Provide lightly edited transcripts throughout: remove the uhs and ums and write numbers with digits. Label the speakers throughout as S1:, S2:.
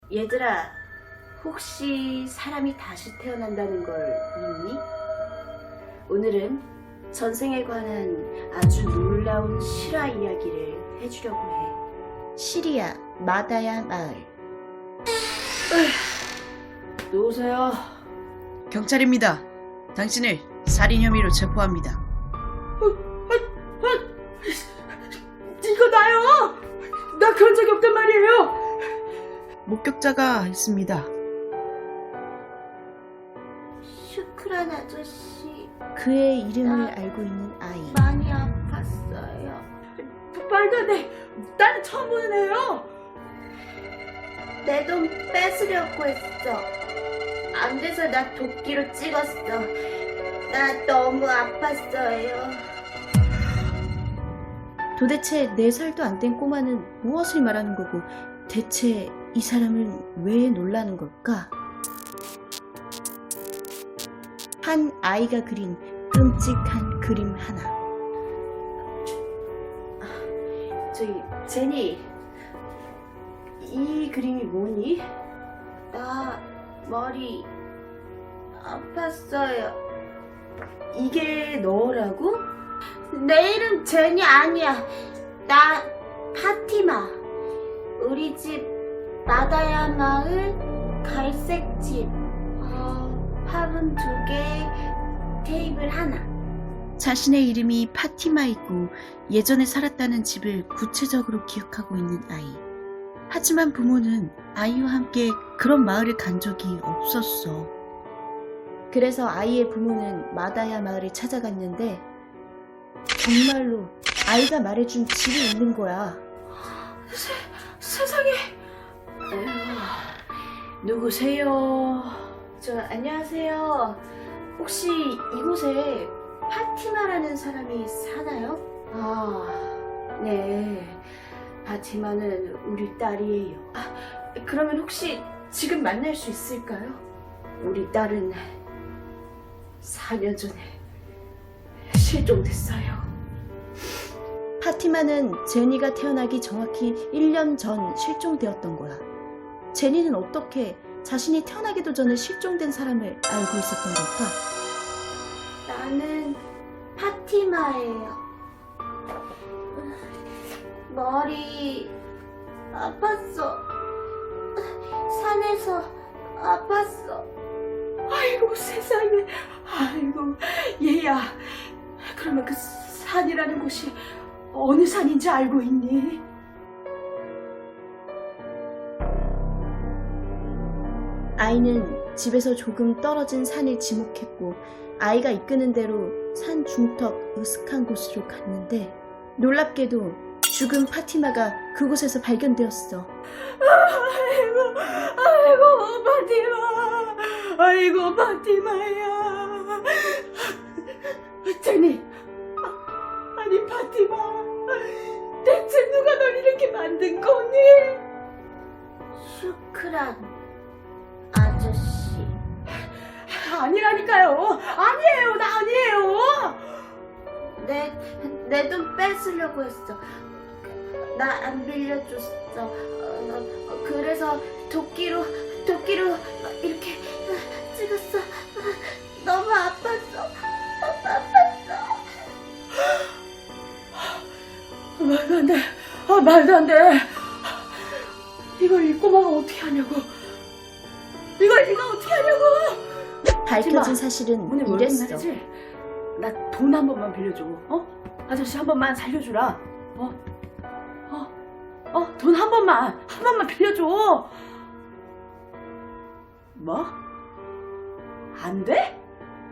S1: 얘들아, 혹시 사람이 다시 태어난다는 걸 믿니? 오늘은 전생에 관한 아주 놀라운 실화 이야기를 해주려고 해.
S2: 시리아 마다야 마을.
S1: 누구세요?
S3: 경찰입니다. 당신을 살인 혐의로 체포합니다.
S1: 이거 나요! 나 그런 적이 없단 말이에요!
S3: 목격자가 있습니다.
S1: 슈크란 아저씨
S2: 그의 이름을 알고 있는 아이.
S1: 많이 아팠어요. 말도 안 돼! 나는 처음 보는 애예요! 내 돈 뺏으려고 했어. 안 돼서 나 도끼로 찍었어. 나 너무 아팠어요.
S2: 도대체 4살도 안 된 꼬마는 무엇을 말하는 거고, 대체 이 사람은 왜 놀라는 걸까? 한 아이가 그린 끔찍한 그림 하나.
S1: 저기 제니, 이 그림이 뭐니? 나 머리 아팠어요. 이게 너라고? 내 이름 제니 아니야. 나 파티마. 우리 집 마다야 마을 갈색 집. 화분 2개, 테이블 하나.
S2: 자신의 이름이 파티마이고 예전에 살았다는 집을 구체적으로 기억하고 있는 아이. 하지만 부모는 아이와 함께 그런 마을에 간 적이 없었어. 그래서 아이의 부모는 마다야 마을에 찾아갔는데 정말로 아이가 말해준 집이 있는 거야.
S1: 세상에. 누구세요? 안녕하세요. 혹시 이곳에 파티마라는 사람이 사나요? 네. 파티마는 우리 딸이에요. 그러면 혹시 지금 만날 수 있을까요? 우리 딸은 4년 전에 실종됐어요.
S2: 파티마는 제니가 태어나기 정확히 1년 전 실종되었던 거야. 제니는 어떻게 자신이 태어나기도 전에 실종된 사람을 알고 있었던 걸까?
S1: 나는 파티마예요. 머리 아팠어. 산에서 아팠어. 아이고 세상에. 아이고 얘야. 그러면 그 산이라는 곳이 어느 산인지 알고 있니?
S2: 아이는 집에서 조금 떨어진 산을 지목했고 아이가 이끄는 대로 산 중턱 으슥한 곳으로 갔는데 놀랍게도 죽은 파티마가 그곳에서 발견되었어.
S1: 아이고 파티마. 아이고 파티마야. 제니. 아니 파티마. 대체 누가 널 이렇게 만든 거니? 슈크란 아저씨. 아니라니까요. 아니에요. 나 아니에요. 내 돈 뺏으려고 했어. 나 안 빌려줬어. 그래서 도끼로 이렇게 찍었어. 너무 아팠어. 말도 안 돼. 말도 안 돼. 이걸 이 꼬마가 어떻게 하냐고. 이걸 네가 어떻게 하냐고.
S2: 밝혀진 사실은
S1: 오늘
S2: 이랬어.
S1: 말이지? 나 돈 한 번만 빌려줘. 아저씨 한 번만 살려주라. 돈 한 번만 빌려줘. 뭐? 안 돼?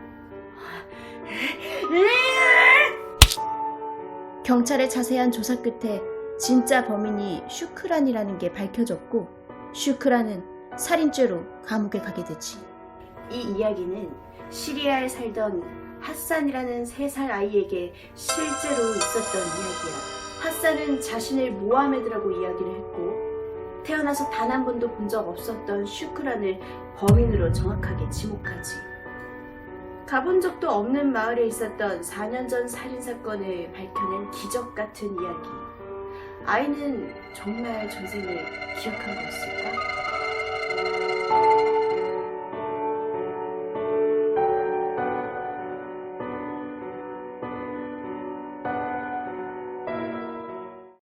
S2: 경찰의 자세한 조사 끝에 진짜 범인이 슈크란이라는 게 밝혀졌고 슈크란은 살인죄로 감옥에 가게 되지.
S1: 이 이야기는 시리아에 살던 핫산이라는 3살 아이에게 실제로 있었던 이야기야. 핫산은 자신을 모하메드라고 이야기를 했고 태어나서 단 한 번도 본 적 없었던 슈크란을 범인으로 정확하게 지목하지. 가본 적도 없는 마을에 있었던 4년 전 살인사건을 밝혀낸 기적 같은 이야기. 아이는 정말 전생을 기억한 거였을까?